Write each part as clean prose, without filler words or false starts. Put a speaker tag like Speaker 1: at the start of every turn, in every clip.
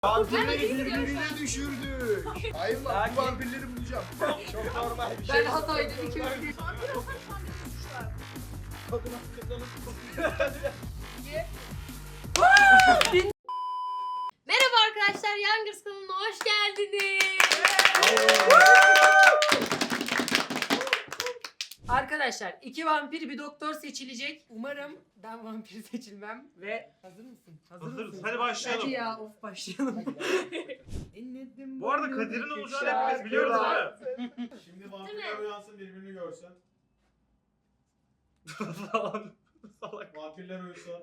Speaker 1: Vampirleri birbirine düşürdük. Hayır lan bu vampirleri bulacağım. Çok normal bir şey.
Speaker 2: Ben Hatay'da bir kere
Speaker 3: Merhaba arkadaşlar, Youngers kanalına hoş geldiniz.
Speaker 2: Arkadaşlar 2 vampir bir doktor seçilecek. Umarım ben vampir seçilmem ve hazır mısın?
Speaker 4: Hazırız.
Speaker 2: mısın?
Speaker 4: Hadi başlayalım.
Speaker 2: Hadi ya başlayalım.
Speaker 4: Bu arada Kadir'in olacağını hepimiz biliyoruz değil mi?
Speaker 5: Şimdi vampirler uyansın birbirini görsün.
Speaker 4: Falan. Salak.
Speaker 5: Vampirler uyusun.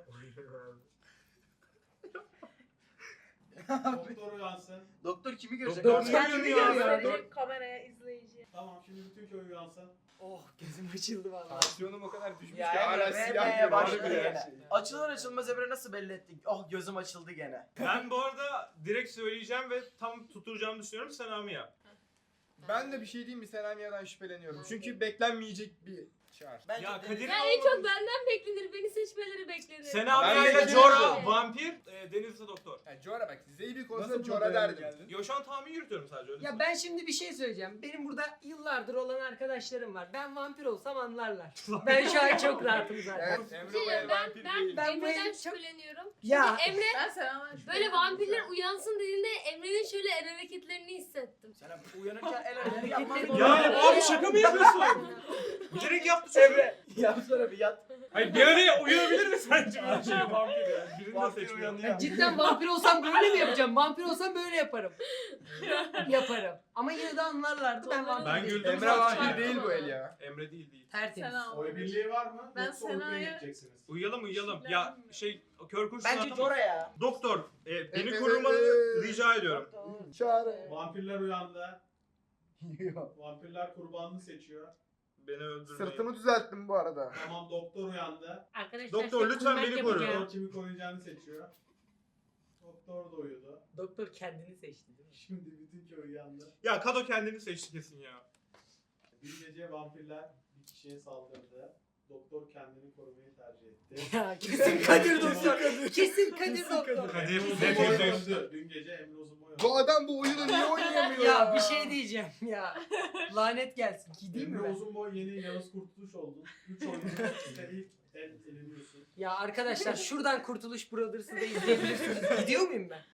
Speaker 5: Doktor uyansın.
Speaker 1: Doktor kimi görecek?
Speaker 4: Doktor
Speaker 1: abi?
Speaker 4: kendini ya.
Speaker 6: Direkt kameraya izleyici.
Speaker 5: Tamam şimdi bütün köy uyansın.
Speaker 2: Oh gözüm açıldı vallahi.
Speaker 1: Tansiyonum o kadar düşmüş
Speaker 7: Ya
Speaker 1: ki hala
Speaker 7: Emre
Speaker 1: silah
Speaker 7: vermeye
Speaker 1: gibi
Speaker 7: başladı
Speaker 1: harbi ya.
Speaker 7: gene. Açılır açılmaz Emre nasıl belli ettik? Oh gözüm açıldı gene.
Speaker 4: Ben bu arada direkt söyleyeceğim ve tam tutturacağımı düşünüyorum. Selami yap.
Speaker 1: Ben de bir şey diyeyim mi? Selamiye'den şüpheleniyorum. Çünkü beklenmeyecek bir çağrı.
Speaker 7: Bence
Speaker 4: Ya
Speaker 7: Deniz-
Speaker 4: Kadir
Speaker 3: Ya en çok benden beklenir, beni seçmeleri beklenir.
Speaker 4: Selami
Speaker 1: Ben
Speaker 4: ile
Speaker 1: de-
Speaker 4: Jora vampir, Deniz ise doktor.
Speaker 1: Yani Cora bak Zeybik olsa Cora derdim.
Speaker 4: Yo şu an tahmin yürütüyorum sadece öyle.
Speaker 2: Ya ben şimdi bir şey söyleyeceğim. Benim burada yıllardır olan arkadaşlarım var. Ben vampir olsam anlarlar. Ben şu an çok rahatım zaten.
Speaker 1: Evet Emre
Speaker 3: Şey,
Speaker 1: Bey vampir değil.
Speaker 2: ben bu
Speaker 3: Emre'den
Speaker 2: eli çok-
Speaker 3: şüpheleniyorum.
Speaker 2: Ya
Speaker 3: Emre
Speaker 6: Ben Selam'dan
Speaker 3: böyle vampirler uyansın dediğinde Emre'nin şöyle el hareketlerini hissettim.
Speaker 7: Sen uyanırken el hareketi yapmaz mı?
Speaker 4: Ya abi şaka mı yapıyorsun? Direkt yaptı çocuk.
Speaker 7: Emre yapsana bir yat.
Speaker 4: Hayır bir araya uyuyabilir mi sence? Bir şey vampir ya. Birini de
Speaker 7: Vampir
Speaker 4: seçmiyor.
Speaker 7: uyanıyor.
Speaker 2: ya cidden vampir olsam böyle mi yapacağım? Vampir olsam böyle yaparım. Yaparım. Ama yine de anlarlardı ben vampir
Speaker 4: Ben
Speaker 2: değilim.
Speaker 4: güldüm
Speaker 1: Emre
Speaker 4: zaten.
Speaker 1: vampir değil bu el ya.
Speaker 4: Emre değil.
Speaker 2: Tertemiz.
Speaker 6: Selam.
Speaker 5: Oy birliği var mı?
Speaker 6: Ben
Speaker 5: Yoksa oy birliği
Speaker 6: Sena'ya-
Speaker 5: gideceksiniz.
Speaker 4: Uyuyalım. Ya kör kurşun
Speaker 7: Bence
Speaker 4: atlamayız.
Speaker 7: Jora ya.
Speaker 4: Doktor, beni
Speaker 1: Evet,
Speaker 4: korumanı
Speaker 1: evet.
Speaker 4: rica ediyorum.
Speaker 1: Çağrı.
Speaker 5: Vampirler uyandı. Vampirler kurbanını seçiyor.
Speaker 4: Beni öldürmeyin.
Speaker 1: Sırtımı düzelttim bu arada.
Speaker 5: Tamam doktor uyandı.
Speaker 3: Arkadaşlar
Speaker 4: Doktor,
Speaker 3: şu an
Speaker 4: lütfen
Speaker 3: kuymak
Speaker 4: beni koru.
Speaker 3: yapacağım.
Speaker 5: Doktor kimi koruyacağını seçiyor. Doktor da uyudu.
Speaker 2: Doktor kendini seçti değil mi?
Speaker 5: Şimdi bütün köy uyandı.
Speaker 4: Ya Kado kendini seçti kesin ya.
Speaker 5: Bir gece vampirler bir kişiye saldırdı. Doktor kendini korumayı tercih etti.
Speaker 2: Ya kesin Kadir doktor. Kesin Kadir doktor.
Speaker 4: Kadir,
Speaker 5: Emre
Speaker 4: net
Speaker 5: Uzunboy
Speaker 4: yüzde yüz.
Speaker 5: öldü. Dün gece Emre Uzunboy öldü.
Speaker 1: Bu adam bu oyunu niye oynayamıyor
Speaker 2: Ya bir şey diyeceğim ya. Lanet gelsin. Gideyim mi
Speaker 5: Emre
Speaker 2: ben?
Speaker 5: Uzunboy yeni Yavuz Kurtuluş oldun. 3 oyunun üstte ilk eleniyorsun.
Speaker 2: Ya arkadaşlar şuradan Kurtuluş Brothers'ı da izleyebilirsiniz. Gidiyor muyum ben?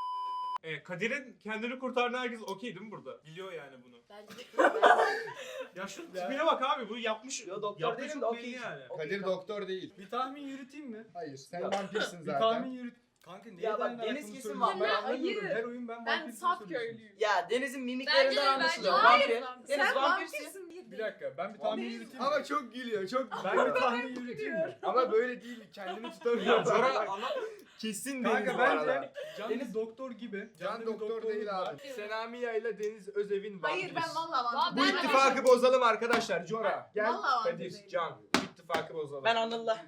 Speaker 4: Kadir'in kendini kurtardığına herkes okey değil mi burada? Biliyor yani bunu.
Speaker 3: Bence de
Speaker 4: Ya şu tipine bak abi bu yapmış.
Speaker 7: Yo, doktor
Speaker 4: yaptığı
Speaker 7: değilim
Speaker 4: çok
Speaker 7: de
Speaker 4: belli
Speaker 7: okey.
Speaker 4: yani.
Speaker 1: Kadir doktor değil.
Speaker 8: Bir tahmin yürüteyim mi?
Speaker 1: Hayır sen
Speaker 7: Ya,
Speaker 1: vampirsin
Speaker 8: Bir
Speaker 1: zaten.
Speaker 8: tahmin yürüt. Kanka neye
Speaker 7: Ya bak,
Speaker 8: dayanarak
Speaker 7: Deniz
Speaker 8: bunu
Speaker 7: kesin
Speaker 8: söylüyorsun?
Speaker 7: vampir.
Speaker 8: Ben anlamıyorum.
Speaker 6: Hayır.
Speaker 8: Her oyun ben
Speaker 6: Ben
Speaker 8: vampir
Speaker 6: saf
Speaker 8: söylüyorsun.
Speaker 6: köylüyüm.
Speaker 7: Ya Deniz'in
Speaker 3: Bence
Speaker 7: mimiklerinden
Speaker 3: de,
Speaker 7: anlaşılıyor.
Speaker 3: bence
Speaker 7: Vampir.
Speaker 3: hayır.
Speaker 7: Deniz
Speaker 6: Sen
Speaker 7: vampirsin.
Speaker 6: vampirsin.
Speaker 8: Bir dakika ben bir tahmin
Speaker 6: Deniz-
Speaker 8: yürüteyim mi?
Speaker 1: Ama çok gülüyor çok.
Speaker 8: Ben bir tahmin yürüteyim mi?
Speaker 1: Ama böyle değil kendimi
Speaker 4: Ya
Speaker 1: tutamıyorum.
Speaker 4: Jora anlat.
Speaker 1: Kesin Deniz
Speaker 8: Kanka
Speaker 1: bu arada.
Speaker 8: bence Can
Speaker 7: Deniz-
Speaker 8: doktor gibi.
Speaker 1: Can
Speaker 8: Can'da bir
Speaker 1: doktor
Speaker 8: doktorluk
Speaker 1: değil
Speaker 8: var.
Speaker 1: abi. Senamiye ile Deniz Özevin var.
Speaker 6: Hayır ben valla
Speaker 3: Aa,
Speaker 6: vampir.
Speaker 1: Bu
Speaker 3: ben-
Speaker 1: ittifakı bozalım arkadaşlar. Jora gel.
Speaker 6: Vallahi
Speaker 1: Kadir,
Speaker 6: vampir
Speaker 1: Can. Bu ittifakı bozalım.
Speaker 7: Ben Anıl'la.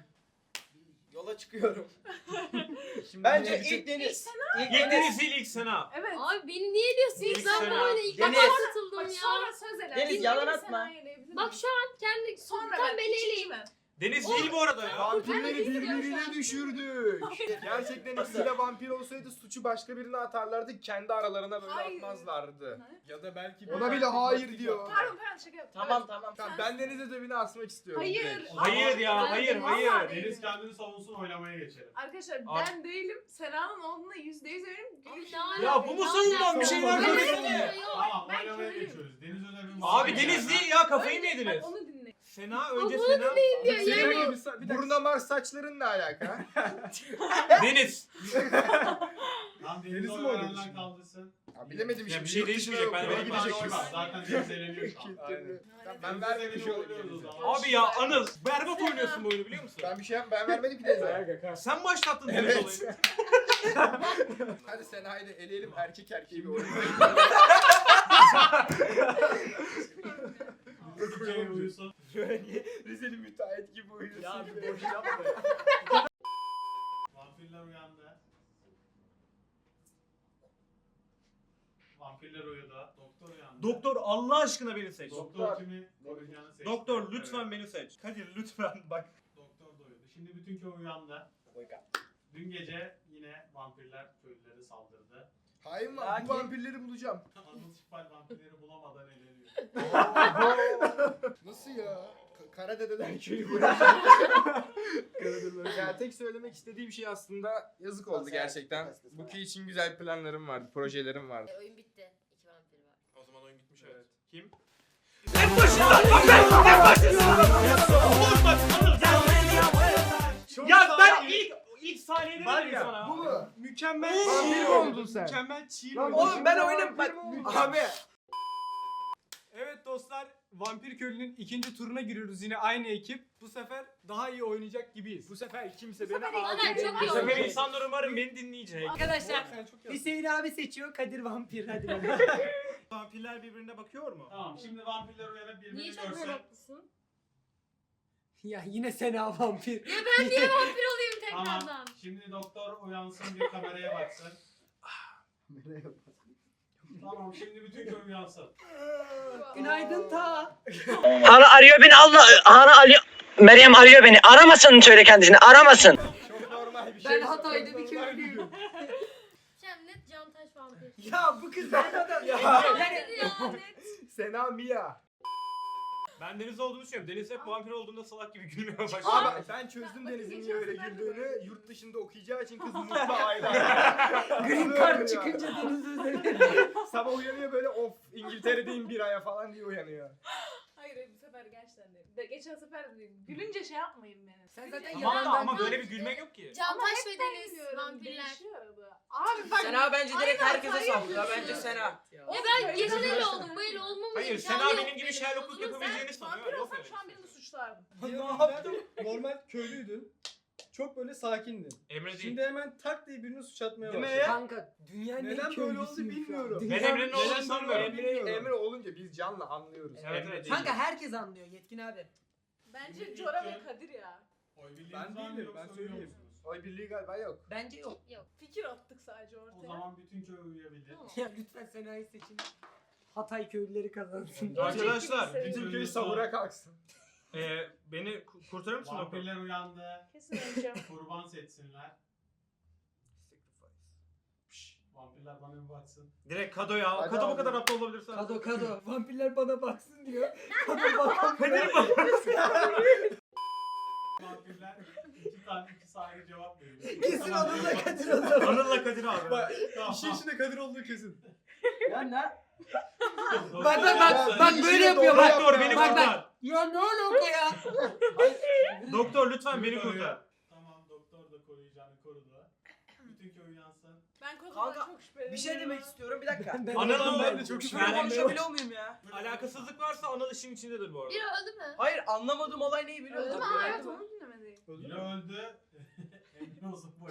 Speaker 7: Yola çıkıyorum.
Speaker 1: Şimdi
Speaker 7: Bence
Speaker 1: Deniz'i-
Speaker 7: ilk Deniz.
Speaker 4: İlk Deniz değil ilk Sena.
Speaker 6: Evet.
Speaker 3: Abi beni niye diyorsunuz?
Speaker 4: İlk
Speaker 3: Ben
Speaker 4: sene.
Speaker 3: bu oyuna ilk
Speaker 7: Deniz.
Speaker 3: defa katıldım
Speaker 6: Bak
Speaker 3: ya.
Speaker 6: sonra söz ele.
Speaker 7: Deniz,
Speaker 6: Dinle,
Speaker 7: yalan
Speaker 6: bir
Speaker 7: atma.
Speaker 6: senaryo eleyebilir
Speaker 3: Bak
Speaker 6: miyim?
Speaker 3: şu an kendi
Speaker 6: sonra
Speaker 3: tam
Speaker 6: ben
Speaker 3: beni
Speaker 6: hiç
Speaker 3: eleyim.
Speaker 6: içmem.
Speaker 4: Deniz değil bu arada ya.
Speaker 1: Vampirleri
Speaker 3: Ben de istiyorum şu
Speaker 1: birbirine
Speaker 3: an.
Speaker 1: düşürdük. Gerçekten
Speaker 7: Nasıl?
Speaker 1: ikisiyle vampir olsaydı suçu başka birine atarlardı. Kendi aralarına böyle
Speaker 6: Hayır.
Speaker 1: atmazlardı.
Speaker 8: Ya da belki
Speaker 1: Ona bile hayır diyor.
Speaker 6: Pardon şaka yaptım.
Speaker 7: Tamam
Speaker 6: Evet.
Speaker 7: tamam.
Speaker 1: Tamam ben Deniz Özevini asmak istiyorum.
Speaker 6: Hayır.
Speaker 1: direkt.
Speaker 4: Hayır ya hayır
Speaker 6: Vallahi
Speaker 4: hayır.
Speaker 6: değil.
Speaker 5: Deniz kendini savunsun oylamaya geçelim.
Speaker 6: Arkadaşlar
Speaker 4: Abi-
Speaker 6: ben değilim. Sena'nın olduğuna %100 eminim.
Speaker 3: Abi
Speaker 6: Gülüşüm.
Speaker 3: ne
Speaker 4: Ya
Speaker 3: alaka?
Speaker 4: bu mu
Speaker 3: Ne
Speaker 4: savunan
Speaker 3: alaka?
Speaker 4: bir şeyler
Speaker 3: Ben
Speaker 4: söylesene.
Speaker 3: yok.
Speaker 5: Tamam
Speaker 6: ben
Speaker 5: oylamaya
Speaker 6: köylüyüm.
Speaker 5: geçiyoruz. Deniz Özevin
Speaker 4: Abi Deniz değil ya kafayı mı
Speaker 6: Önce-
Speaker 4: yediniz?
Speaker 6: Bak, onu dinle.
Speaker 4: Sena önce
Speaker 3: bunu
Speaker 4: Sena.
Speaker 3: diyor
Speaker 1: Senin
Speaker 3: yani.
Speaker 1: gibi bir dakika. Buruna Mars saçların ne alaka?
Speaker 4: Deniz.
Speaker 5: Lan
Speaker 1: Deniz'i
Speaker 5: Deniz'i
Speaker 1: mi
Speaker 5: mi
Speaker 1: oynadı
Speaker 5: oynanlar
Speaker 1: şimdi?
Speaker 5: kaldırsın?
Speaker 1: Ya bilemedim
Speaker 4: Ya
Speaker 1: şimdi.
Speaker 4: bir şey
Speaker 1: Yurt dışına
Speaker 4: değişmeyecek, ben
Speaker 1: okula
Speaker 4: de
Speaker 5: Gidecek
Speaker 1: gidecek.
Speaker 5: oy var. Zaten Deniz eleniyor şu an.
Speaker 1: Ben
Speaker 5: Ben
Speaker 1: vermemiş
Speaker 5: Deniz'e
Speaker 1: olayım.
Speaker 5: oynuyoruz o zaman.
Speaker 4: Abi ya Anıl berbat oynuyorsun bu oyunu biliyor musun?
Speaker 1: Ben bir şey ben vermedim ki Deniz'e.
Speaker 4: Sen başlattın Deniz
Speaker 1: Evet.
Speaker 4: olayını.
Speaker 1: Hadi Sena'yı da eleyelim erkek erkeği bir oyun.
Speaker 5: Şey uyusun.
Speaker 1: Rizeli müteahhit gibi uyuyorsun.
Speaker 8: Ya bir boş yapma.
Speaker 5: Vampirler uyandı. Vampirler uyudu. Doktor uyandı.
Speaker 4: Doktor Allah aşkına beni seç.
Speaker 5: Doktor kimi koruyacağını seçti.
Speaker 4: Doktor lütfen
Speaker 5: Evet.
Speaker 4: beni seç. Kadir lütfen bak.
Speaker 5: Doktor da uyudu. Şimdi bütün köy uyandı. Dün gece yine vampirler köylülere saldırdı.
Speaker 1: Hain var.
Speaker 7: Lakin-
Speaker 1: Bu vampirleri bulacağım.
Speaker 5: Anıl Şifal vampirleri bulamadan eleniyor.
Speaker 1: Nasıl ya? Kara dedeler köyü burası.
Speaker 9: Ya tek söylemek istediğim şey aslında yazık oldu gerçekten. Bu köy için güzel planlarım vardı, projelerim vardı.
Speaker 3: Oyun bitti. 2 vampir var.
Speaker 4: O zaman oyun bitmiş evet. Kim? Ya ben ilk saniyede
Speaker 8: Var
Speaker 4: dedim
Speaker 8: ya,
Speaker 4: sana.
Speaker 1: Bu mu?
Speaker 8: Mükemmel
Speaker 1: Vampir mi oldun sen?
Speaker 8: Mükemmel çiğ
Speaker 1: Lan
Speaker 8: oldun.
Speaker 7: Oğlum ben oynam bak. Abi.
Speaker 8: Evet dostlar, Vampir Köylü'nün ikinci turuna giriyoruz yine aynı ekip. Bu sefer daha iyi oynayacak gibiyiz.
Speaker 9: Bu sefer kimse
Speaker 6: sefer
Speaker 9: beni
Speaker 3: Aynen, çok iyi
Speaker 4: Bu sefer
Speaker 3: oldu.
Speaker 4: insanlar umarım beni dinleyecek.
Speaker 2: Arkadaşlar
Speaker 8: Sen çok iyi
Speaker 2: Hüseyin abi seçiyor, Kadir vampir. Hadi bakalım.
Speaker 4: Vampirler birbirine bakıyor mu?
Speaker 5: Tamam şimdi vampirler uyanıp birbirini
Speaker 3: Niye çok
Speaker 5: görsün.
Speaker 3: meraklısın?
Speaker 2: Ya yine Sena vampir.
Speaker 3: Ya ben niye vampir olayım
Speaker 5: Tamam.
Speaker 3: tekrardan?
Speaker 5: Şimdi doktor uyansın bir kameraya baksın. Tamam şimdi bütün köy uyansın.
Speaker 2: Günaydın ta.
Speaker 10: Hana arıyor beni Allah. Hana arıyor. Meryem arıyor beni. Aramasın söyle kendisine. Aramasın.
Speaker 9: çok normal bir şey.
Speaker 2: Ben Hatay'da bir köylüyüm.
Speaker 3: Şem net Cantaş vampir.
Speaker 2: Ya bu kız ne kadar...
Speaker 9: Ya.
Speaker 3: Vampir ya net.
Speaker 9: Sena Mia.
Speaker 4: Ben Deniz olduğunu düşünüyorum. Deniz hep vampir olduğunda salak gibi gülmeye başladı.
Speaker 9: Abi ben çözdüm Deniz'in niye öyle güldüğünü. Yurt dışında okuyacağı için kız mutlu aile.
Speaker 2: Green card çıkınca Deniz Özel.
Speaker 9: Sabah uyanıyor böyle of İngiltere'deyim bir aya falan diye uyanıyor.
Speaker 6: Hayır bu sefer gerçekten değil. Geçen sefer gülünce şey yapmayın beni.
Speaker 2: Sen zaten
Speaker 4: Tamam da
Speaker 2: yalandan
Speaker 4: ama böyle bir gülmek yok ki.
Speaker 3: Cantaş
Speaker 6: hep
Speaker 3: ve
Speaker 6: ben
Speaker 3: Deniz
Speaker 6: gülüyorum,
Speaker 3: vampirler.
Speaker 6: değişiyor arada. Abi bak.
Speaker 7: Sena bence direkt
Speaker 6: Aynen,
Speaker 7: herkese
Speaker 6: hayır
Speaker 7: sallıyor.
Speaker 6: diyorsun.
Speaker 7: Bence Sena.
Speaker 3: Ya ben geçen öyle oldum. Böyle olmamın
Speaker 4: Hayır
Speaker 3: imkanı
Speaker 4: Sena
Speaker 3: yok
Speaker 4: benim gibi
Speaker 3: benim.
Speaker 4: Sherlock'luk
Speaker 3: O zaman
Speaker 4: yapabileceğini sanıyor.
Speaker 6: Vampir
Speaker 4: Yok
Speaker 6: olsam
Speaker 4: öyle
Speaker 6: şu an
Speaker 4: bir şey.
Speaker 6: birini suçlardım.
Speaker 8: Ne yaptın? Normal köylüydün. Çok böyle sakindin.
Speaker 4: Emre değil.
Speaker 8: Şimdi hemen tak diye birini suç atmaya
Speaker 9: Değil mi
Speaker 8: başladın.
Speaker 2: Kanka dünyanın en
Speaker 9: Neden böyle oldu
Speaker 2: köylüsüyüm şu an.
Speaker 9: bilmiyorum.
Speaker 4: Ben
Speaker 2: Dünyanın-
Speaker 4: Emre'nin olduğunu
Speaker 8: Neden
Speaker 4: sanmıyorum.
Speaker 8: böyle-
Speaker 9: Emre olunca biz canlı anlıyoruz.
Speaker 4: Evet evet.
Speaker 2: Kanka herkes anlıyor Yetkin abi.
Speaker 6: Bence Cora ve Kadir ya.
Speaker 5: Oy birliğiniz
Speaker 8: Ben
Speaker 5: var mı
Speaker 8: değilim,
Speaker 5: yoksa
Speaker 8: ben
Speaker 5: uyuyor
Speaker 8: söyleyeyim.
Speaker 5: musunuz?
Speaker 9: Oy birliği galiba yok.
Speaker 2: Bence yok.
Speaker 6: Fikir attık sadece
Speaker 5: O
Speaker 6: ortaya.
Speaker 5: zaman bütün köy uyuyabilir.
Speaker 2: Ya lütfen Sena'yı seçin. Hatay köylüleri kazansın.
Speaker 4: Arkadaşlar
Speaker 5: Bütün
Speaker 9: Köy savura kalksın.
Speaker 4: beni kurtarır mısın doktor?
Speaker 5: Vampirler uyandı.
Speaker 6: Kesin öleceğim.
Speaker 5: Kurban seçsinler. Şşş, vampirler bana bir baksın.
Speaker 4: Direkt Kado ya.
Speaker 1: Hadi
Speaker 4: Kado bu
Speaker 1: abi.
Speaker 4: kadar aptal olabilirsin.
Speaker 2: Kado. Vampirler bana baksın diyor. Kado bakamıyor.
Speaker 5: Vampirler iki sahibi cevap veriyor.
Speaker 2: Kesin Anıl'la Kadir o zaman.
Speaker 4: Anıl'la Kadir abi.
Speaker 8: Bak
Speaker 5: Tamam.
Speaker 8: işin içinde Kadir olduğu kesin.
Speaker 7: Ya ne?
Speaker 2: Bak böyle yapıyor bak.
Speaker 4: Doktor beni
Speaker 2: Bak,
Speaker 4: kurtar.
Speaker 2: Ya ne alaka ya?
Speaker 4: Doktor lütfen beni kurtar.
Speaker 5: Tamam doktor da koruyacağını korudu. Bütün köy uyansın.
Speaker 6: Ben
Speaker 7: Kanka,
Speaker 6: konudan çok şüpheleniyorum.
Speaker 7: Bir şey demek istiyorum bir dakika.
Speaker 4: Anıl'ın
Speaker 8: Ben de çok
Speaker 7: Küfür
Speaker 4: Yani-
Speaker 7: konuşabiliyor muyum ya?
Speaker 4: Alakasızlık varsa Anıl işin içindedir bu arada.
Speaker 3: Biri öldü mü?
Speaker 7: Hayır anlamadığım olay neyi biliyor
Speaker 3: Öldü
Speaker 7: musun?
Speaker 3: mü?
Speaker 6: Evet onu dinlemedim.
Speaker 5: Biri öldü. Emin olsun bu.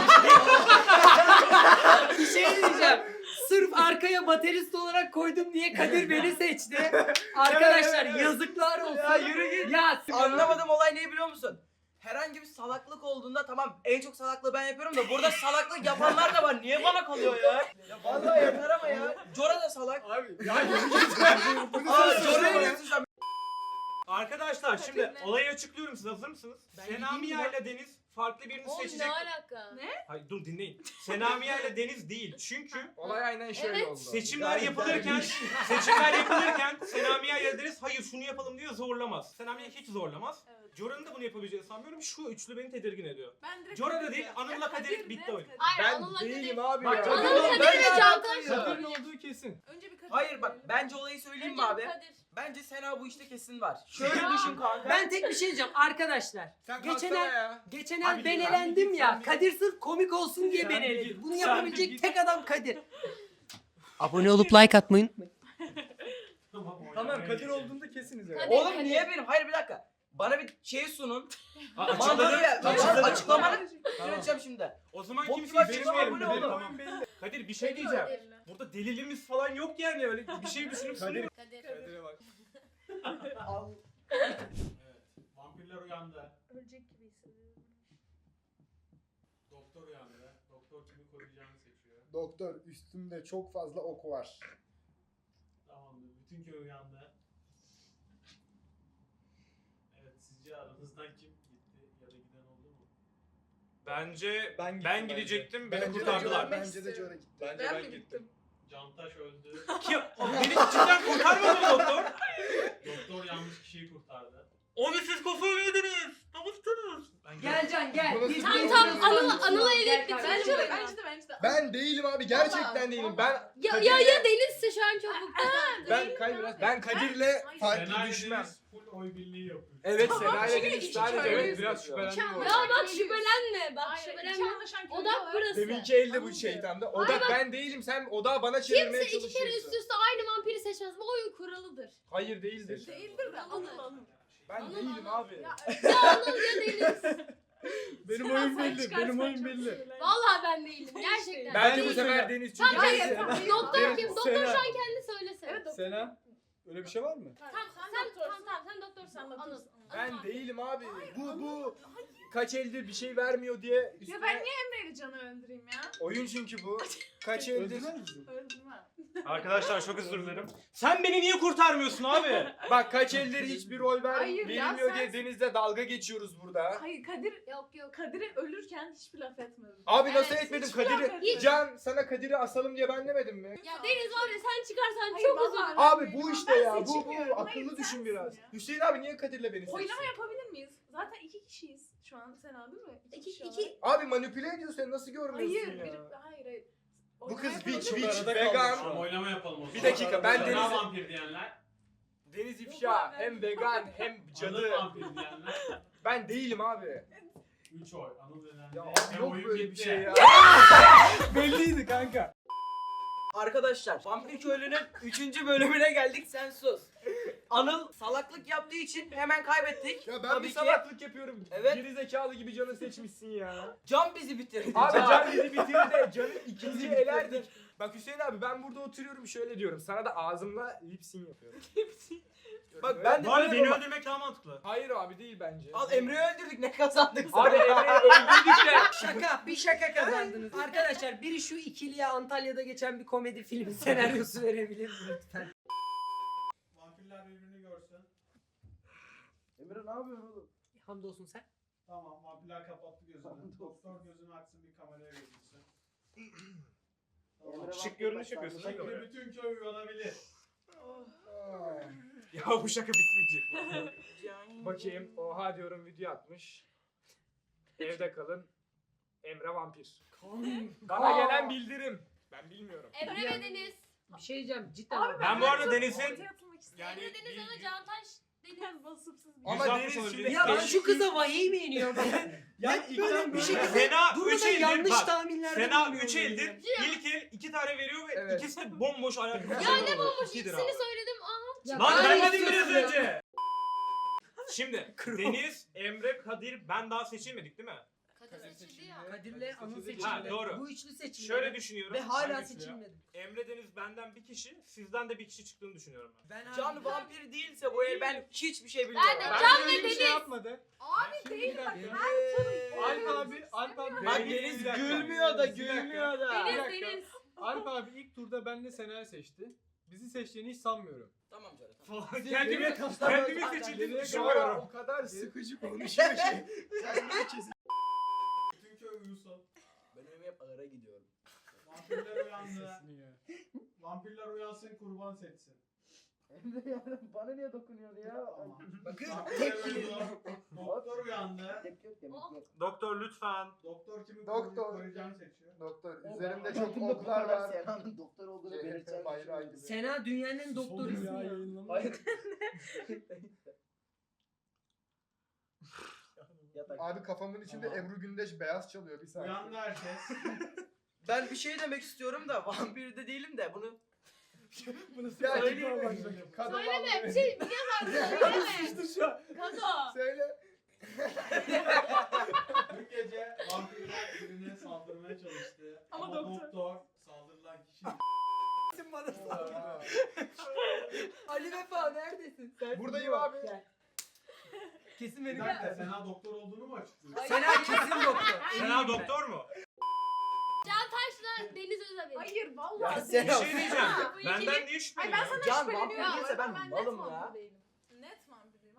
Speaker 2: Bir şey diyeceğim. Sırf arkaya baterist olarak koydum diye Kadir beni seçti. Arkadaşlar yazıklar olsun.
Speaker 7: Ya yürü git.
Speaker 2: Ya
Speaker 7: Anlamadığım olay neyi biliyor musun? Herhangi bir salaklık olduğunda tamam en çok salaklığı ben yapıyorum da burada salaklık yapanlar da var. Niye bana kalıyor ya? Ya vallahi yeter ama ya. Cora da salak.
Speaker 8: Abi ya yürü git.
Speaker 7: Aa Cora'yı diyorsun sen.
Speaker 4: Arkadaşlar şimdi olayı açıklıyorum, siz hazır mısınız?
Speaker 2: Ben
Speaker 4: Senamiye
Speaker 2: gideyim ya.
Speaker 4: ile Deniz farklı birini
Speaker 3: Oğlum
Speaker 4: seçecek.
Speaker 3: ne alaka? Ne?
Speaker 4: Hayır dur dinleyin. Senamiye ile Deniz değil. Çünkü
Speaker 9: Olay aynen şöyle
Speaker 3: Evet.
Speaker 9: oldu.
Speaker 4: seçimler yapılırken Senamiye ile Deniz hayır şunu yapalım diye zorlamaz. Senamiye hiç zorlamaz.
Speaker 6: Evet.
Speaker 4: Jora'nın da bunu yapabileceğini sanmıyorum. Şu üçlü beni tedirgin ediyor.
Speaker 6: Ben direkt
Speaker 4: Cora da
Speaker 6: Kadir
Speaker 4: değil,
Speaker 6: ya.
Speaker 4: Anıl'la
Speaker 6: Ya
Speaker 4: Kadir bitti
Speaker 6: net
Speaker 4: oyun.
Speaker 6: Kadir.
Speaker 3: Hayır
Speaker 9: Ben
Speaker 3: Anıl'la
Speaker 9: değilim
Speaker 3: Kadir.
Speaker 9: abi
Speaker 8: Bak,
Speaker 9: ya.
Speaker 8: Kadir
Speaker 3: Anıl'la
Speaker 7: Ben
Speaker 3: Kadir
Speaker 7: de
Speaker 3: ve Cantaş.
Speaker 8: Kadir'in olduğu kesin.
Speaker 6: Önce bir Kadir.
Speaker 7: Hayır bak bence olayı söyleyeyim mi
Speaker 3: Önce
Speaker 7: abi?
Speaker 3: Kadir.
Speaker 7: Bence Sena bu işte kesin var. Şöyle düşün kanka.
Speaker 2: ben tek bir şey diyeceğim arkadaşlar.
Speaker 9: Sen
Speaker 2: Geçen
Speaker 9: kalksana
Speaker 2: el-
Speaker 9: ya.
Speaker 2: Geçen
Speaker 4: Abi
Speaker 2: el ben
Speaker 4: git,
Speaker 2: elendim
Speaker 8: git,
Speaker 2: ya.
Speaker 8: sen bir-
Speaker 2: Kadir sırf komik olsun diye
Speaker 8: Sen
Speaker 2: beni
Speaker 8: bir
Speaker 2: eledi.
Speaker 8: git,
Speaker 2: Bunu
Speaker 8: sen
Speaker 2: yapabilecek
Speaker 8: bir git.
Speaker 2: tek adam Kadir. Abone olup like atmayı unutmayın.
Speaker 8: Tamam Kadir olduğunda kesiniz ya.
Speaker 3: Kadir.
Speaker 7: Oğlum niye benim? Hayır bir dakika. Bana bir şey sunun.
Speaker 4: Açıkladım.
Speaker 7: Mantığı ya.
Speaker 4: Açıkladım.
Speaker 7: Açıklamanı söyleyeceğim şimdi.
Speaker 4: O zaman
Speaker 7: Bok
Speaker 4: kimseyi
Speaker 7: gibi
Speaker 4: benim
Speaker 7: açıklama
Speaker 4: yerimde
Speaker 7: bu ne
Speaker 4: benim
Speaker 7: oğlum?
Speaker 4: tamam belli. Kadir bir şey diyeceğim. Burada delilimiz falan yok yani öyle bir şey düşünüp sunuyorum.
Speaker 3: Kadir.
Speaker 8: Kadir'e bak.
Speaker 5: Evet. Vampirler uyandı.
Speaker 6: Ölecek gibi hissediyorum.
Speaker 5: Doktor uyandı. Doktor kimi koruyacağını seçiyor.
Speaker 1: Doktor üstümde çok fazla ok var.
Speaker 5: Tamamdır. Bütün köy uyandı. Evet sizce aranızdan kim gitti ya da giden oldu mu?
Speaker 4: Bence
Speaker 8: Ben
Speaker 4: ben,
Speaker 8: gittim
Speaker 4: gidecektim. Beni
Speaker 1: Bence de
Speaker 4: kurtardılar.
Speaker 1: John'a- Bence de John'a gitti.
Speaker 4: Bence
Speaker 6: Ben
Speaker 4: ben
Speaker 6: mi
Speaker 4: gittim.
Speaker 6: gittim?
Speaker 5: Cantaş öldü.
Speaker 4: Kim? Beni cidden kurtarmadı mı doktor?
Speaker 5: Doktor yanlış kişiyi kurtardı.
Speaker 4: Onu siz kafayı yediniz. Namustunuz.
Speaker 2: Gel Can gel.
Speaker 1: Burası
Speaker 2: Biz
Speaker 1: değil.
Speaker 3: Tamam
Speaker 1: Tamam,
Speaker 3: Anıl'a
Speaker 2: Gel
Speaker 3: elit
Speaker 2: kardeşim.
Speaker 6: Bence de
Speaker 3: bitirelim.
Speaker 6: bence de.
Speaker 1: Ben değilim abi. Gerçekten değilim. Ben
Speaker 3: Ya Deniz'se şu an çok mutlu.
Speaker 9: Ben Kadir'le
Speaker 1: farklı
Speaker 5: Senay
Speaker 1: düşmem.
Speaker 5: Deniz full oy birliği yapıyor.
Speaker 9: Evet
Speaker 6: Tamam,
Speaker 9: Sena'yla
Speaker 6: çünkü
Speaker 9: Deniz
Speaker 6: iki
Speaker 9: sadece
Speaker 6: köylüyüz.
Speaker 9: evet biraz şüphelendim
Speaker 6: İki
Speaker 9: orada.
Speaker 3: Ya bak şüphelenme. Bak
Speaker 6: Hayır, iki
Speaker 3: şüphelenme.
Speaker 6: anlaşan köylü
Speaker 3: Odak
Speaker 6: var.
Speaker 3: burası.
Speaker 9: Deminki elde bu şeytanda. Odak ben değilim sen odağı bana çevirmeye
Speaker 3: Kimse iki kere üst üste aynı vampiri seçmez. Bu oyun kuralıdır.
Speaker 9: Hayır değildir.
Speaker 6: Değildir de Anıl.
Speaker 9: Ben değilim abi.
Speaker 6: Ya
Speaker 3: Ya Anıl ya Deniz.
Speaker 8: Benim
Speaker 6: Sen
Speaker 8: oyun
Speaker 6: sen
Speaker 8: belli.
Speaker 6: çıkarsan
Speaker 8: Benim oyun
Speaker 6: çok
Speaker 8: belli.
Speaker 6: sinirlendim.
Speaker 3: Vallahi ben değilim. Gerçekten.
Speaker 9: Bence bu
Speaker 3: Değilim.
Speaker 9: sefer Deniz çünkü
Speaker 3: Tamam, hayır.
Speaker 9: Deniz-
Speaker 6: Hayır.
Speaker 3: Doktor kim? Doktor
Speaker 8: Sena.
Speaker 3: şu an kendi söylese.
Speaker 6: Evet doktor.
Speaker 8: Sena. Öyle bir şey var mı?
Speaker 3: Tamam
Speaker 6: Sen doktorsun.
Speaker 3: sen doktorsun.
Speaker 6: Sen
Speaker 3: Anıl.
Speaker 6: doktorsun.
Speaker 9: Ben
Speaker 3: Anıl.
Speaker 9: değilim abi. Bu kaç eldir bir şey vermiyor diye
Speaker 6: Ya
Speaker 9: üstüne...
Speaker 6: ben niye Emre'yle Can'ı öldüreyim ya?
Speaker 9: Oyun çünkü bu. Kaç eldir.
Speaker 8: Öldürmez misin?
Speaker 6: Öldürmem.
Speaker 4: Arkadaşlar çok özür dilerim. Sen beni niye kurtarmıyorsun abi?
Speaker 9: Bak kaç eldir hiçbir rol
Speaker 6: Hayır ya,
Speaker 9: verilmiyor
Speaker 6: sen-
Speaker 9: diye Deniz'le dalga geçiyoruz burada.
Speaker 6: Hayır Kadir
Speaker 3: Yok.
Speaker 6: Kadir'e ölürken hiçbir laf etmedim.
Speaker 9: Abi nasıl
Speaker 3: Evet,
Speaker 9: etmedim
Speaker 6: hiçbir laf
Speaker 9: Kadir'i?
Speaker 6: etmedim.
Speaker 9: Can sana Kadir'i asalım diye ben demedim mi?
Speaker 3: Ya Deniz var ya sen çıkarsan
Speaker 6: Hayır,
Speaker 3: çok
Speaker 6: vallahi
Speaker 3: üzülürüm.
Speaker 9: Abi bu
Speaker 6: Ben
Speaker 9: işte ya. Bu
Speaker 6: seçilmiyorum. Hayır,
Speaker 9: akıllı düşün
Speaker 6: sensin
Speaker 9: biraz.
Speaker 6: ya.
Speaker 9: Hüseyin abi niye Kadir'le beni seçsin?
Speaker 6: Oylama yapabilir miyiz? Zaten iki kişiyiz şu an Sena değil mi? kişi olarak.
Speaker 9: Abi manipüle ediyorsun sen nasıl görmüyorsun
Speaker 6: Hayır,
Speaker 9: ya?
Speaker 6: hayır.
Speaker 9: Bu kız
Speaker 6: Oylama
Speaker 9: witch
Speaker 6: yapalım.
Speaker 9: witch
Speaker 8: Arada kaldık
Speaker 9: vegan.
Speaker 5: Tamam oylama yapalım o zaman.
Speaker 9: Bir dakika ben
Speaker 5: Sena
Speaker 9: Deniz
Speaker 5: vampir diyenler.
Speaker 9: Deniz ifşa hem vegan hem
Speaker 5: Anıl
Speaker 9: cadı.
Speaker 5: vampir diyenler.
Speaker 9: Ben değilim abi.
Speaker 5: 3 oy. Anıl denen
Speaker 9: Ya
Speaker 5: de.
Speaker 9: abi yok
Speaker 5: oyun
Speaker 9: böyle bir
Speaker 5: bitti.
Speaker 9: şey ya.
Speaker 8: Belliydi kanka.
Speaker 7: Arkadaşlar Vampir Köylü'nün 3. bölümüne geldik sen sus. Anıl salaklık yaptığı için hemen kaybettik.
Speaker 9: Ya ben
Speaker 7: Tabii
Speaker 9: bir
Speaker 7: ki.
Speaker 9: salaklık yapıyorum.
Speaker 7: Evet.
Speaker 9: Geri zekalı gibi canı seçmişsin ya.
Speaker 7: Can bizi bitirdi.
Speaker 9: Abi
Speaker 7: Can.
Speaker 9: can bizi bitirdi de canı ikinci elerdik. Bak Hüseyin abi ben burada oturuyorum şöyle diyorum. Sana da ağzımla lipsin yapıyorum.
Speaker 7: Bak ben de
Speaker 4: Bu arada
Speaker 7: böyle
Speaker 4: beni
Speaker 7: bak-
Speaker 4: öldürmek daha mantıklı.
Speaker 9: Hayır abi değil bence.
Speaker 7: Al Emre'yi öldürdük ne kazandık
Speaker 9: Abi
Speaker 7: sana?
Speaker 9: Emre'yi öldürdük de.
Speaker 2: Şaka, bir şaka kazandınız. Arkadaşlar biri şu ikiliye Antalya'da geçen bir komedi filmi senaryosu verebilir mi lütfen?
Speaker 5: Vampirler birbirini görsün.
Speaker 1: Emre ne yapıyorsun oğlum?
Speaker 2: Hamdolsun sen.
Speaker 5: Tamam vampirler kapattı gözünü. Doktor gözünü açsın bir kameraya gözüksün. Tamam.
Speaker 4: Şık görünüş yapıyorsun değil mi?
Speaker 5: Şimdi bütün köy uyanabilir.
Speaker 4: Ya bu şaka bitmeyecek.
Speaker 9: Bakayım. Oha diyorum video atmış. Evde kalın. Emre vampir. Bana gelen bildirim. Ben bilmiyorum.
Speaker 3: Emre ve Deniz.
Speaker 2: Bir şey diyeceğim cidden.
Speaker 6: Abi
Speaker 4: Ben bu arada
Speaker 6: çok
Speaker 4: Deniz'in-
Speaker 6: ortaya atılmak istiyorum.
Speaker 4: Yani
Speaker 3: Emre Deniz ona Cantaş Deniz.
Speaker 6: Vasıfsız bir
Speaker 9: Ama
Speaker 4: 160
Speaker 9: Deniz
Speaker 4: olabilir.
Speaker 9: şimdi...
Speaker 2: Ya ben şu kıza vahiy mi iniyorum?
Speaker 8: Ya
Speaker 2: Hep böyle bir şekilde
Speaker 4: Sena 3
Speaker 2: durmadan
Speaker 4: eldir
Speaker 2: yanlış
Speaker 4: bak.
Speaker 2: tahminlerde
Speaker 4: Sena
Speaker 2: bulunuyorum
Speaker 4: 3
Speaker 2: yani.
Speaker 4: eldir. İlk el 2 tane veriyor ve
Speaker 9: Evet.
Speaker 4: ikisi de bomboş ayakkabı.
Speaker 3: Ya ne bomboş ikisini söyledim. Aha.
Speaker 2: Ya
Speaker 4: Lan
Speaker 2: ben
Speaker 4: vermedin biraz
Speaker 2: istiyorum ya.
Speaker 4: önce. Şimdi Deniz, Emre, Kadir ben daha seçilmedik değil mi?
Speaker 3: Kadir seçildi ya.
Speaker 2: Kadir'le Anıl seçildi.
Speaker 4: Ha, doğru.
Speaker 2: Bu üçlü seçildi.
Speaker 4: Şöyle düşünüyorum.
Speaker 2: Ve hala
Speaker 4: Hangisi ya?
Speaker 2: seçilmedi.
Speaker 4: Emre Deniz benden bir kişi, sizden de bir kişi çıktığını düşünüyorum ben.
Speaker 2: Ben
Speaker 7: Can vampir değilse bu el ben hiçbir şey
Speaker 3: Ben
Speaker 7: bilmiyorum.
Speaker 3: de
Speaker 8: Ben
Speaker 3: Can
Speaker 8: öyle
Speaker 3: ve
Speaker 8: bir şey
Speaker 3: Deniz.
Speaker 8: yapmadı.
Speaker 6: Abi değil bak.
Speaker 8: Alp abi.
Speaker 7: Bak Deniz gülmüyor da gülmüyor da.
Speaker 3: Deniz
Speaker 8: dakika.
Speaker 3: Deniz.
Speaker 8: Alp abi ilk turda benle Sena'yı seçti. Bizi seçtiğini hiç sanmıyorum.
Speaker 7: Tamam canım. Tamam.
Speaker 4: Kendimi seçildiğini
Speaker 9: Şu
Speaker 4: düşünüyorum.
Speaker 9: ara o kadar sıkıcı konuşuyor ki. Kendini kesin.
Speaker 5: Bütün köy uyusun.
Speaker 7: Ben öyle hep ağıra gidiyorum.
Speaker 5: Vampirler uyandı.
Speaker 8: Sesini ya.
Speaker 5: Vampirler uyansın kurban seçsin.
Speaker 1: Emre ya bana niye dokunuyor ya?
Speaker 5: Tamam.
Speaker 2: Bakın
Speaker 5: Vampirler
Speaker 2: tepkili.
Speaker 5: uyudu. Doktor uyandı.
Speaker 1: Tepki yok demek yok.
Speaker 4: Doktor lütfen.
Speaker 5: Doktor kimi
Speaker 1: Doktor.
Speaker 5: koruyacağını seçiyor.
Speaker 1: Doktor üzerimde çok oklar var. Sena'nın doktor olduğunu belirteceğim.
Speaker 9: Bayrağı gibi.
Speaker 2: Sena dünyanın en doktorusun
Speaker 8: Oğlum
Speaker 2: ya.
Speaker 8: yayınlama.
Speaker 1: Hayır.
Speaker 9: Abi kafamın içinde
Speaker 5: Tamam.
Speaker 9: Ebru Gündeş beyaz çalıyor bir saniye.
Speaker 5: Uyandı herkes.
Speaker 7: Ben bir şey demek istiyorum da vampir de değilim de bunu
Speaker 9: Bunu
Speaker 7: söyleyeyim
Speaker 9: söyleyeyim. Kadın
Speaker 3: Söyleme
Speaker 9: vallahi.
Speaker 3: bir şey biliyoruz artık. Söyleme.
Speaker 8: İşte şu an.
Speaker 3: Kazo.
Speaker 9: Söyle.
Speaker 5: Dün gece vampirler birine saldırmaya çalıştı.
Speaker 6: Ama
Speaker 5: Ama
Speaker 6: doktor-
Speaker 5: doktor saldırılan kişi
Speaker 9: Aa.
Speaker 2: Ali Vefa neredesin? Sen
Speaker 9: Buradayım
Speaker 2: yok.
Speaker 9: abi.
Speaker 2: Gel. Kesin
Speaker 5: Bir
Speaker 2: beni
Speaker 5: dakika Sena doktor olduğunu mu açıklıyor?
Speaker 2: Sena kesin doktor.
Speaker 4: Sena
Speaker 2: Eminim ben.
Speaker 4: doktor mu?
Speaker 3: Cantaş'la Deniz Özdemir.
Speaker 6: Hayır vallahi.
Speaker 7: Ya
Speaker 4: Bir
Speaker 7: Sena-
Speaker 4: şey diyeceğim.
Speaker 3: Ha, bu ikili-
Speaker 4: Benden niye
Speaker 6: Ay ben
Speaker 4: şüpheleniyorsun?
Speaker 6: sana
Speaker 7: Can
Speaker 6: şüpheleniyorum.
Speaker 7: vampir değilse ben
Speaker 6: net
Speaker 7: malım ya.
Speaker 6: vampir değilim. Net vampir değilim.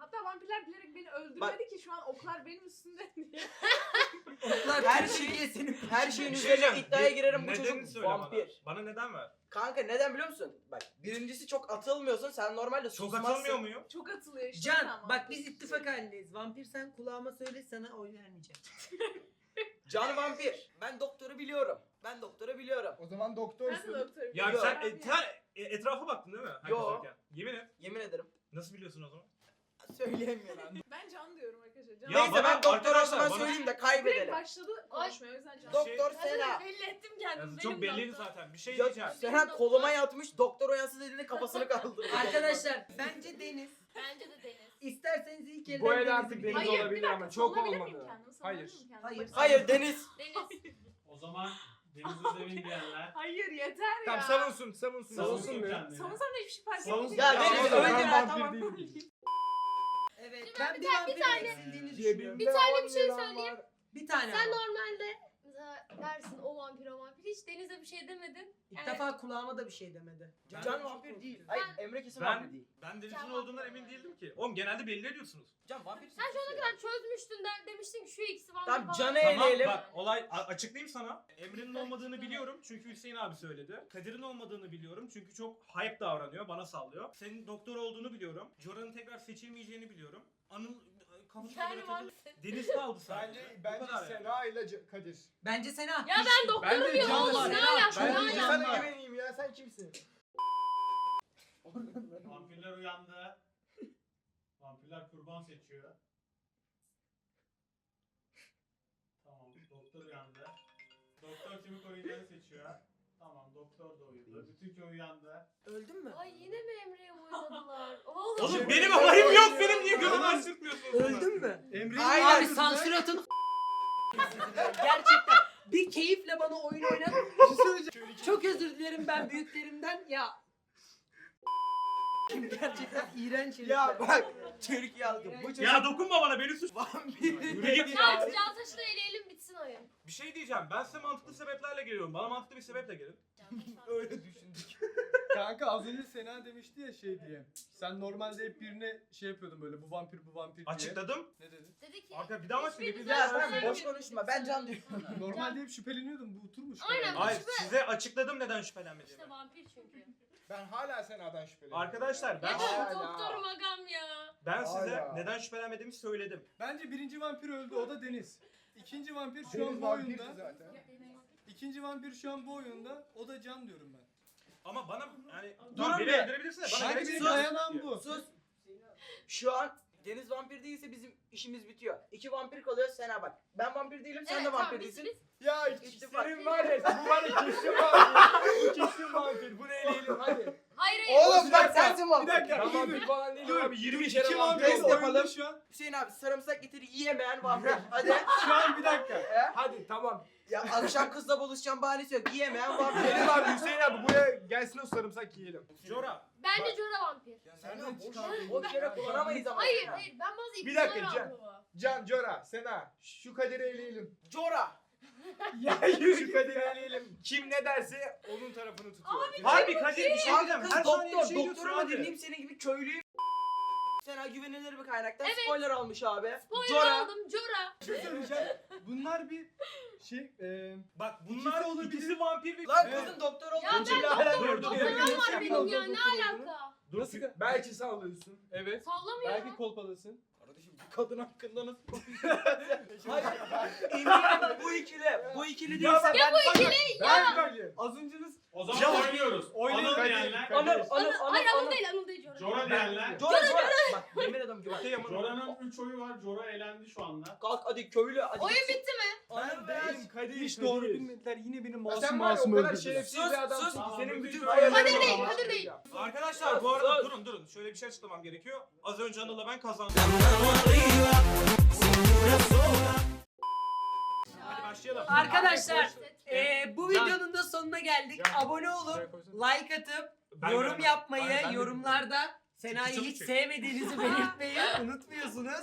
Speaker 6: Hatta vampirler bilerek beni öldürmedi
Speaker 7: Bak-
Speaker 6: ki şu an oklar benim üstümde diye.
Speaker 2: Oklar
Speaker 7: Her
Speaker 2: Türkiye'sinin
Speaker 7: Her şeyin
Speaker 4: Bir şey
Speaker 7: üzerine
Speaker 4: diyeceğim.
Speaker 7: iddiaya girerim bu
Speaker 4: Nedenini
Speaker 7: çocuk
Speaker 4: söyle
Speaker 7: vampir.
Speaker 4: Bana neden ver?
Speaker 7: Kanka neden biliyor musun? Bak birincisi çok atılmıyorsun. Sen normalde
Speaker 4: Çok
Speaker 7: susmazsın.
Speaker 4: atılmıyor muyum?
Speaker 6: Çok atılıyor işte.
Speaker 2: Can
Speaker 6: tamam.
Speaker 2: bak biz ittifak halindeyiz. Vampir sen kulağıma söyle sana oy vermeyeceğim.
Speaker 7: Can vampir. Ben doktoru biliyorum.
Speaker 1: O zaman
Speaker 6: Ben de
Speaker 1: doktorsun.
Speaker 6: doktorum.
Speaker 4: Yani
Speaker 7: Yok.
Speaker 4: sen etrafa baktın değil mi? Herkes
Speaker 7: Yo.
Speaker 4: yokken. Yemin et.
Speaker 7: Yemin ederim.
Speaker 4: Nasıl biliyorsun o zaman?
Speaker 7: Söyleyemiyorum.
Speaker 6: Ben Can diyorum arkadaşlar. Can.
Speaker 4: Ya
Speaker 7: Neyse
Speaker 4: bana-
Speaker 7: ben doktor
Speaker 4: arkadaşlar,
Speaker 7: olmadan
Speaker 4: bana-
Speaker 7: söyleyeyim de
Speaker 6: Direkt
Speaker 7: kaybedelim.
Speaker 6: başladı konuşmaya o yüzden Can.
Speaker 7: Doktor
Speaker 3: Ben
Speaker 7: Sena.
Speaker 3: de belli ettim kendimi.
Speaker 4: Yani çok
Speaker 3: Benim
Speaker 4: belliydi
Speaker 3: doktor.
Speaker 4: zaten. Bir şey
Speaker 7: Ya
Speaker 4: diyeceğim.
Speaker 7: Sena koluma yatmış doktor uyansız elinde kafasını kaldırdı.
Speaker 2: Arkadaşlar bence Deniz.
Speaker 3: Bence de Deniz.
Speaker 2: İsterseniz ilk elden
Speaker 9: Bu el
Speaker 2: Deniz'i
Speaker 9: artık
Speaker 2: bilin.
Speaker 9: Deniz
Speaker 6: Hayır, bir
Speaker 9: olabilir
Speaker 6: dakika,
Speaker 9: ama çok
Speaker 6: savunabilir miyim
Speaker 9: olmadı.
Speaker 6: kendimi? Savunabilir
Speaker 9: Hayır.
Speaker 6: miyim kendimi?
Speaker 2: Hayır.
Speaker 7: Hayır Deniz.
Speaker 3: Deniz.
Speaker 5: O zaman Deniz Özdemir diyenler.
Speaker 6: Hayır yeter
Speaker 9: Tamam
Speaker 6: ya.
Speaker 9: savunsun.
Speaker 5: Savunsun
Speaker 9: be.
Speaker 5: kendini.
Speaker 6: Savunsam da hiçbir şey fark
Speaker 5: Savunsun.
Speaker 6: etmeyecek.
Speaker 7: Ya
Speaker 5: Ya
Speaker 7: Deniz
Speaker 5: ben
Speaker 7: öyle
Speaker 5: vampir
Speaker 7: ya tamam.
Speaker 2: Evet
Speaker 3: Şimdi
Speaker 2: ben
Speaker 3: ben
Speaker 2: bir vampirin eksildiğini düşünüyorum.
Speaker 3: Bir tane bir şey söyleyeyim.
Speaker 2: Bir tane
Speaker 3: Sen
Speaker 2: ama.
Speaker 3: normalde mesela dersin o vampir. Hiç Deniz'e bir şey demedin.
Speaker 2: İlk defa kulağıma da bir şey demedi.
Speaker 7: Can vampir değil. Hayır Emre kesin
Speaker 4: Ben-
Speaker 7: vampir değil.
Speaker 4: Ben Deniz'in
Speaker 3: Sen
Speaker 4: olduğundan
Speaker 3: vampir
Speaker 4: emin
Speaker 3: yani.
Speaker 4: değildim ki. Oğlum genelde belli ediyorsunuz.
Speaker 7: Can vampir.
Speaker 3: Sen şu ana kadar çözmüştün demiştin ki şu ikisi vampir
Speaker 7: Tamam,
Speaker 3: falan.
Speaker 7: Can'ı
Speaker 4: Tamam
Speaker 7: eleyelim.
Speaker 4: bak olay açıklayayım sana. Emre'nin olmadığını biliyorum çünkü Hüseyin abi söyledi. Kadir'in olmadığını biliyorum çünkü çok hype davranıyor, bana sallıyor. Senin doktor olduğunu biliyorum. Jora'nın tekrar seçilmeyeceğini biliyorum. Anıl kafasına göre
Speaker 3: Yani
Speaker 4: takılı.
Speaker 3: vampir.
Speaker 4: Deniz kaldı sadece.
Speaker 1: Bence
Speaker 4: Bu kadar yani.
Speaker 1: Sena ile Kadir.
Speaker 2: Bence Sena.
Speaker 3: Ya ben doktorum
Speaker 9: Ben de
Speaker 3: ya
Speaker 9: Can'la
Speaker 3: oğlum ne
Speaker 2: Sena.
Speaker 3: alaka
Speaker 1: Ben
Speaker 3: ne
Speaker 1: de
Speaker 3: alaka.
Speaker 1: sana güveneyim ya, sen kimsin?
Speaker 5: Vampirler uyandı. Vampirler kurban seçiyor. Tamam, doktor uyandı. Doktor kimi koruyacağını seçiyor. Tamam, doktor da uyudu. Bütün köy uyandı.
Speaker 2: Öldün mü?
Speaker 3: Ay yine mi Emre'ye oynadılar? Oğlum.
Speaker 4: Oğlum benim haberim yok, benim niye gözümü açtırtmıyorsunuz?
Speaker 2: Öldün mü?
Speaker 8: Emre'yi
Speaker 7: Aynen.
Speaker 2: Abi sansür atın. Gerçekten bir keyifle bana oyun oynat. Çok özür dilerim ben büyüklerimden ya. Gerçekten iğrenç herifler.
Speaker 7: Ya bak Türkiye halkı bu çocuk
Speaker 4: Ya dokunma bana, beni suç.
Speaker 7: vampir.
Speaker 4: Yürü git ya.
Speaker 3: Can taşı da eleyelim bitsin oyun.
Speaker 4: Bir şey diyeceğim, ben size mantıklı sebeplerle geliyorum. Bana mantıklı bir sebeple gelin.
Speaker 7: Öyle düşündük.
Speaker 8: Kanka az önce Sena demişti ya şey diye. Sen normalde hep birine şey yapıyordun böyle bu vampir diye.
Speaker 4: Açıkladım.
Speaker 8: Ne dedin?
Speaker 3: Dedi ki.
Speaker 4: Arka bir daha mı açıklayayım?
Speaker 3: hiçbiriniz
Speaker 7: Ya
Speaker 3: zaten
Speaker 7: sen boş
Speaker 3: sevmiyorum.
Speaker 7: konuşma ben Can diyorum.
Speaker 8: Normalde hep şüpheleniyordum bu oturmuş.
Speaker 3: Aynen.
Speaker 4: Hayır, size açıkladım neden şüphelenmediğimi.
Speaker 3: İşte vampir çünkü.
Speaker 1: Ben hala Sena'dan şüpheleniyorum.
Speaker 4: Arkadaşlar ben
Speaker 3: Ya
Speaker 1: Hala.
Speaker 3: doktorum agam ya.
Speaker 4: ben size
Speaker 1: Hala.
Speaker 4: neden şüphelenmediğimi söyledim.
Speaker 8: Bence birinci vampir öldü o da Deniz. İkinci vampir şu
Speaker 1: Deniz
Speaker 8: an bu
Speaker 1: vampirdi
Speaker 8: oyunda.
Speaker 1: zaten.
Speaker 8: İkinci vampir şu an bu oyunda. O da Can diyorum ben.
Speaker 4: Ama bana yani
Speaker 7: Durun
Speaker 4: tamam, beni
Speaker 7: bir.
Speaker 4: öldürebilirsin de bana
Speaker 8: Sanki
Speaker 4: gerek
Speaker 8: benim
Speaker 4: yok.
Speaker 8: dayanağım bu.
Speaker 7: Sus. Şu an Deniz vampir değilse bizim işimiz bitiyor. 2 vampir kalıyor Sena bak. Ben vampir değilim sen de
Speaker 3: Evet,
Speaker 7: vampir
Speaker 3: tamam,
Speaker 7: değilsin.
Speaker 3: biz-
Speaker 1: Ya
Speaker 7: İttifak.
Speaker 1: senin var ya, bu var ya kesin vampir. Kesin vampir. Bunu eleyelim hadi.
Speaker 3: Hayır hayır.
Speaker 7: Oğlum
Speaker 8: Bir
Speaker 7: bak
Speaker 8: dakika,
Speaker 7: sensin vampir.
Speaker 8: bir dakika.
Speaker 9: Ben vampir falan değilim
Speaker 8: Dur.
Speaker 9: abi. 20
Speaker 8: İki
Speaker 9: kere
Speaker 8: vampir
Speaker 9: vampir.
Speaker 7: Test
Speaker 8: oyunda
Speaker 7: yapalım.
Speaker 8: şu an.
Speaker 7: Hüseyin abi sarımsak getiri yiyemeyen vampir. Hadi.
Speaker 8: Şu an bir dakika.
Speaker 9: Hadi tamam.
Speaker 7: Ya akşam kızla buluşacağım bahanesi yok. Yiyemeyen vampir.
Speaker 9: Benim abi Hüseyin abi buraya gelsin o sarımsak yiyelim.
Speaker 4: Jora.
Speaker 3: Bence Jora vampir.
Speaker 7: Senden boş yere kullanamayız ama.
Speaker 3: Hayır hayır ben bazı
Speaker 1: Bir
Speaker 3: ipuçları
Speaker 1: dakika, Can.
Speaker 3: aldım ama.
Speaker 1: Can, Jora, Sena, şu Kadir'i eleyelim.
Speaker 7: Cora.
Speaker 9: Ya yürü şu Kadir'i eleyelim. Kim ne derse onun tarafını tutuyor.
Speaker 4: Harbi Kadir bir şey
Speaker 7: Kanka
Speaker 4: diyeceğim.
Speaker 7: kız
Speaker 4: Her saniye bir
Speaker 7: doktor.
Speaker 4: şey diyorsun
Speaker 7: Doktoru mu
Speaker 4: abi.
Speaker 7: dinleyeyim senin gibi köylüyüm. Sena güvenilir bir kaynaktan
Speaker 3: Evet.
Speaker 7: spoiler almış abi.
Speaker 3: Spoiler
Speaker 7: Jora.
Speaker 3: aldım Jora.
Speaker 8: Bir şey söyleyeceğim. Bunlar bir şey
Speaker 4: Bak bunlar
Speaker 8: İkisi olabilir.
Speaker 4: ikisi vampir ve...
Speaker 7: Lan
Speaker 8: Evet.
Speaker 7: kızın doktor
Speaker 3: Ya
Speaker 7: olduğu için
Speaker 3: ben
Speaker 7: hala
Speaker 3: doktorum.
Speaker 4: dur, dur.
Speaker 3: Doktorum var benim ya
Speaker 8: Doktor
Speaker 3: ne
Speaker 8: olduğunu.
Speaker 3: alaka?
Speaker 8: Nasıl? Belki sallıyorsun. Evet.
Speaker 3: Sallamıyor.
Speaker 8: Belki kolpadasın.
Speaker 7: Kardeşim bu kadın hakkında nasıl konuşuyorsun? Hayır. Eminim bu ikili değilse ben...
Speaker 3: Bu ikili
Speaker 8: Ben az önce
Speaker 5: O zaman
Speaker 4: Ya,
Speaker 5: oynuyoruz.
Speaker 8: Oynayın.
Speaker 5: Anıl diyenler.
Speaker 3: Hayır Anıl değil Anıl değil Jora.
Speaker 5: Jora diyenler.
Speaker 7: Jora. Bak yemin ederim ki bak.
Speaker 5: Jora'nın 3 oyu var. Jora elendi şu anda.
Speaker 7: Kalk hadi köylü hadi.
Speaker 3: Oyun bitti mi?
Speaker 7: Anıl be.
Speaker 8: Benim Kadir hiç doğru bilmediler. Yine benim
Speaker 1: Ya
Speaker 8: masum
Speaker 1: sen var ya,
Speaker 8: masum
Speaker 1: o kadar
Speaker 8: öldürdüler.
Speaker 1: şerefsiz
Speaker 7: Sus,
Speaker 1: bir adamsın
Speaker 7: sus.
Speaker 1: ki
Speaker 5: Tamam,
Speaker 1: senin
Speaker 5: bütün
Speaker 1: bütün
Speaker 5: köylü-
Speaker 1: hayallerin
Speaker 3: Kadir değil,
Speaker 1: var.
Speaker 3: Kadir değil.
Speaker 4: Arkadaşlar bu arada durun. Şöyle bir şey açıklamam gerekiyor. Az önce Anıl'la ben kazandım. Hadi başlayalım.
Speaker 2: Arkadaşlar bu
Speaker 9: Can.
Speaker 2: videonun da sonuna geldik.
Speaker 9: Can.
Speaker 2: Abone olup
Speaker 9: Şuraya koysana.
Speaker 2: like atıp
Speaker 4: Ben
Speaker 2: yorum
Speaker 4: göremem.
Speaker 2: yapmayı,
Speaker 4: Hayır, ben de
Speaker 2: yorumlarda Sena'yı
Speaker 4: Çabuk
Speaker 2: hiç
Speaker 4: çek.
Speaker 2: sevmediğinizi belirtmeyi unutmuyorsunuz.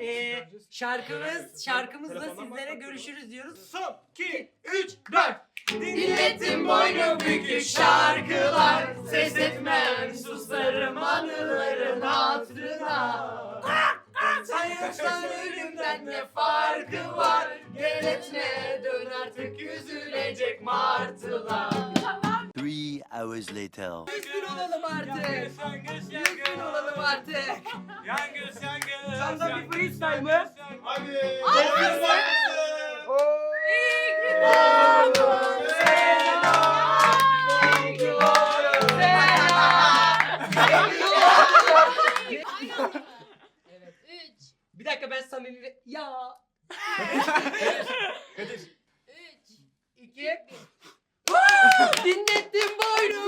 Speaker 2: Şarkımızla
Speaker 4: Telefondan
Speaker 2: sizlere
Speaker 4: bak,
Speaker 2: görüşürüz diyoruz.
Speaker 4: Son 2 3 4.
Speaker 2: Milletin boynu bükük şarkılar, ses etmem susarım anıların hatırına. Yoksa ölümden ne farkı var? Gel etme dön artık üzülecek martılar.
Speaker 11: 3 hours later.
Speaker 2: 100 bin olalım artık. 100 bin olalım artık.
Speaker 5: Yangız yangız.
Speaker 7: Senden bir freestyle mı?
Speaker 1: Hadi.
Speaker 2: Evet.
Speaker 3: 3,
Speaker 2: Bir dakika ben samimi ya.
Speaker 3: Kadir. 3,
Speaker 2: 2 Dinlettim boynu